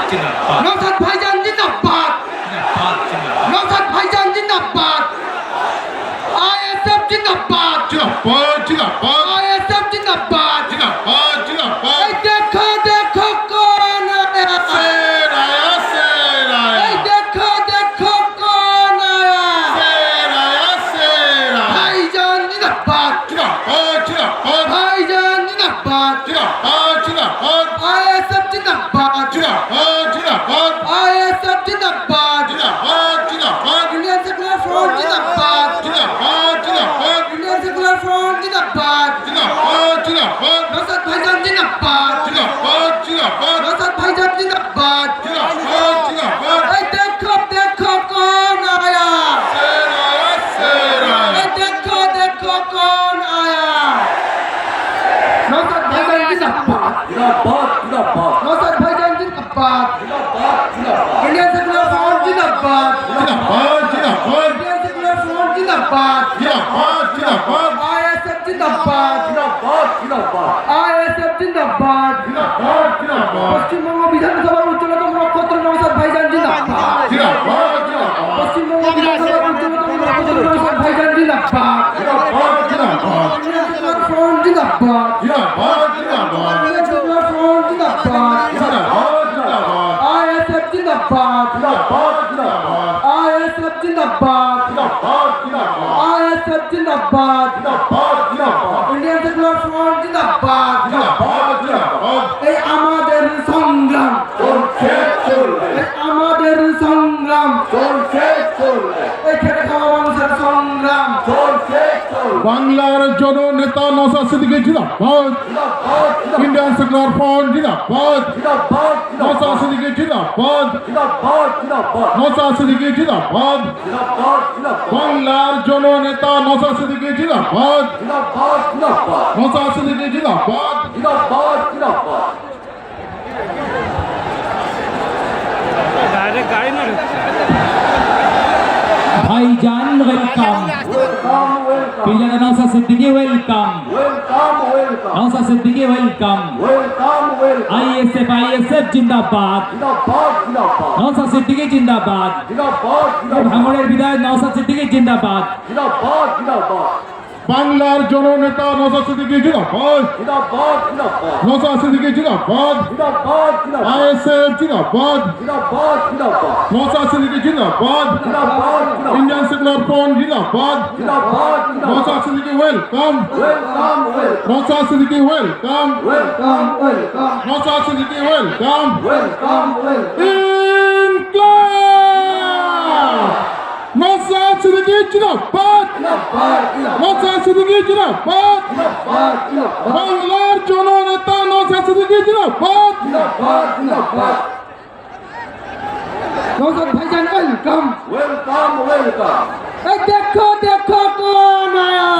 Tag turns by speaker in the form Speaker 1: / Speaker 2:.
Speaker 1: नौशाद भाईजान जिंदाबाद नौशाद भाईजान जिंदाबाद आईएसएफ जिंदाबाद आईएसएफ जिंदाबाद देखो देखो कौन आया देखो देखो कौन आया भाईजान जिंदाबाद भाईजान जिंदाबाद आईएसएफ जिंदाबाद आईएसएफ जिंदाबाद इंडियन सेक्युलर फ्रंट जिंदाबाद इंडियन सेक्युलर फ्रंट जिंदाबाद नौशाद भाईजान जिंदाबाद नौशाद भाईजान जिंदाबाद देखो देखो कौन आया देखो देखो कौन आया नौशाद भाईजान जिंदाबाद नौशाद भाईजान जिंदाबाद इंडियन सेक्युलर फ्रंट जिंदाबाद इंडियन सेक्युलर फ्रंट जिंदाबाद आईएसएफ जिंदाबाद आईएसएफ जिंदाबाद পশ্চিমবঙ্গ বিধানসভার উচ্চতম নক্ষত্র নওশাদ ভাইজান জিন্দাবাদ পশ্চিমবঙ্গ বিধানসভার উচ্চতম নক্ষত্র নওশাদ ভাইজান জিন্দাবাদ इंडियन सेक्युलर फ्रंट जिंदाबाद इंडियन सेक्युलर फ्रंट जिंदाबाद आईएसएफ जिंदाबाद आईएसएफ जिंदाबाद आईएसएफ जिंदाबाद इंडियन सेक्युलर फ्रंट जिंदाबाद এই আমাদের সংগ্রাম এই আমাদের সংগ্রাম এই খেটে খাওয়া মানুষের সংগ্রাম
Speaker 2: বাংলার জননেতা নওশাদ সিদ্দিকী জিন্দাবাদ ইন্ডিয়ান সেকুলার ফ্রন্ট জিন্দাবাদ নওশাদ সিদ্দিকী জিন্দাবাদ নওশাদ সিদ্দিকী জিন্দাবাদ বাংলার জননেতা নওশাদ সিদ্দিকী জিন্দাবাদ নওশাদ সিদ্দিকী জিন্দাবাদ
Speaker 3: Bhaijan welcome pillar Naushad Siddiqui welcome Naushad Siddiqui welcome ISF জিন্দাবাদ নওশাদ সিদ্দিকী জিন্দাবাদ ভাঙড়ের বিধায়ক নওশাদ সিদ্দিকী জিন্দাবাদ
Speaker 2: বাংলার জননেতা নওশাদ সিদ্দিকী জিন্দাবাদ নওশাদ সিদ্দিকী জিন্দাবাদ আইএসএফ জিন্দাবাদ নওশাদ সিদ্দিকী জিন্দাবাদ ইন্ডিয়ান সেকুলার ফ্রন্ট জিন্দাবাদ Naushad Siddiqui welcome Naushad Siddiqui welcome Naushad Siddiqui welcome ইনকলাব নওশাদ সিদ্দিকী জিন্দাবাদ নওশাদ সিদ্দিকী জিন্দাবাদ বাংলার জননেতা নওশাদ সিদ্দিকী জিন্দাবাদ
Speaker 1: নওশাদ ভাইজান ওয়েলকাম এই দেখো দেখো কোন আয়া